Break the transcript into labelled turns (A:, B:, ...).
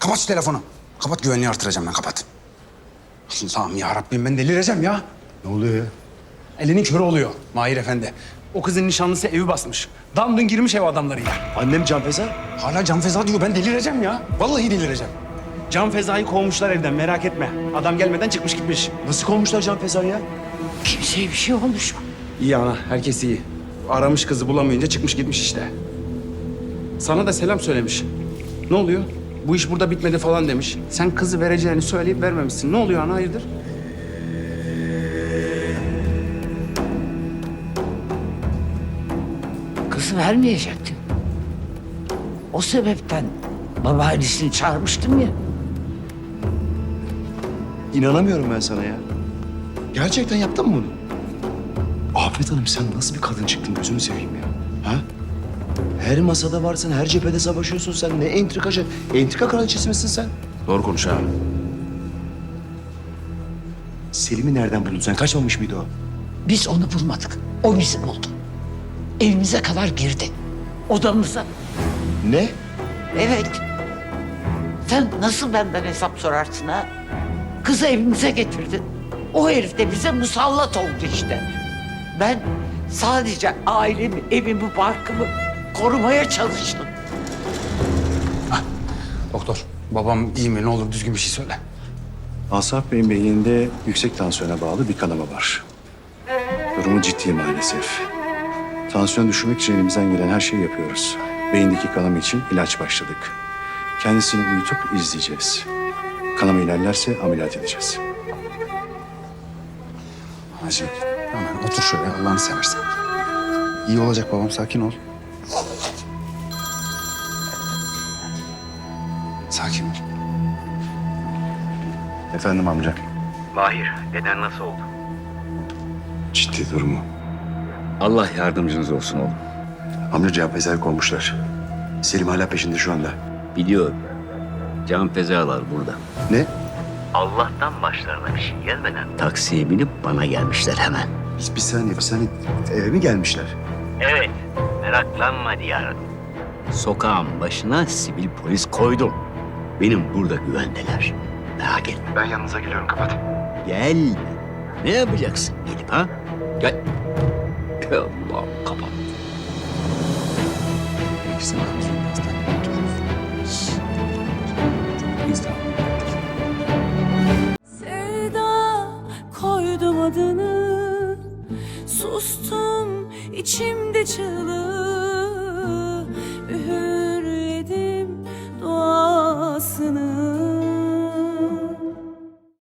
A: Kapat şu telefonu. Kapat, güvenliği artıracağım ben, kapat. Allah'ım ya Rabbim, ben delireceğim ya.
B: Ne oluyor ya?
A: Elinin körü oluyor Mahir Efendi. O kızın nişanlısı evi basmış. Damdın girmiş ev adamlarıyla.
B: Annem Can Feza.
A: Hala Can Feza diyor, ben delireceğim ya. Vallahi delireceğim. Can Feza'yı kovmuşlar evden, merak etme. Adam gelmeden çıkmış gitmiş.
B: Nasıl kovmuşlar Can Feza'yı ya?
C: Kimseye bir şey olmuş mu?
A: İyi ana, herkes iyi. Aramış kızı bulamayınca çıkmış gitmiş işte. Sana da selam söylemiş. Ne oluyor? Bu iş burada bitmedi falan demiş. Sen kızı vereceğini söyleyip vermemişsin. Ne oluyor ana, hayırdır?
C: Kızı vermeyecektim. O sebepten babaannesini çağırmıştım ya.
B: İnanamıyorum ben sana ya. Gerçekten yaptın mı bunu? Afet Hanım, sen nasıl bir kadın çıktın, gözünü seveyim ya. Ha? Her masada varsın, her cephede savaşıyorsun sen. Ne entrikacı, entrika kraliçesi misin sen?
A: Doğru konuş ha.
B: Selim'i nereden buldun sen? Kaçmamış mıydı o?
C: Biz onu bulmadık. O bizi buldu. Evimize kadar girdi. Odamıza.
B: Ne?
C: Evet. Sen nasıl benden hesap sorarsın ha? Kızı evimize getirdin. O herif de bize musallat oldu işte. Ben sadece ailemi, evimi, barkımı korumaya çalıştım.
A: Doktor, babam iyi mi? Ne olur düzgün bir şey söyle.
B: Asaf Bey'in beyninde yüksek tansiyona bağlı bir kanama var. Durumu ciddi maalesef. Tansiyon düşürmek için elimizden gelen her şeyi yapıyoruz. Beyindeki kanama için ilaç başladık. Kendisini uyutup izleyeceğiz. Kanama ilerlerse ameliyat edeceğiz.
A: Hacı, hemen otur şöyle, Allah'ını seversen. İyi olacak babam, sakin ol. Sakin ol.
B: Efendim amca.
D: Mahir, deden nasıl oldu?
B: Ciddi durumu.
D: Allah yardımcınız olsun oğlum.
B: Amca Can Feza'yı kovmuşlar. Selim hala peşinde şu anda.
D: Biliyorum. Can fezalar burada.
B: Ne?
D: Allah'tan başlarına bir şey gelmeden taksiye binip bana gelmişler hemen.
B: Bir saniye. Eve mi gelmişler?
D: Evet, meraklanma diyarım. Sokağın başına sivil polis koydum. Benim burada güvendeler. Merak etme.
B: Ben yanınıza geliyorum, kapat.
D: Gel. Ne yapacaksın gelip ha? Gel. Allah kapat.
E: Sevda koydum adını, sustum içimde çığlığı, üğürledim duasını.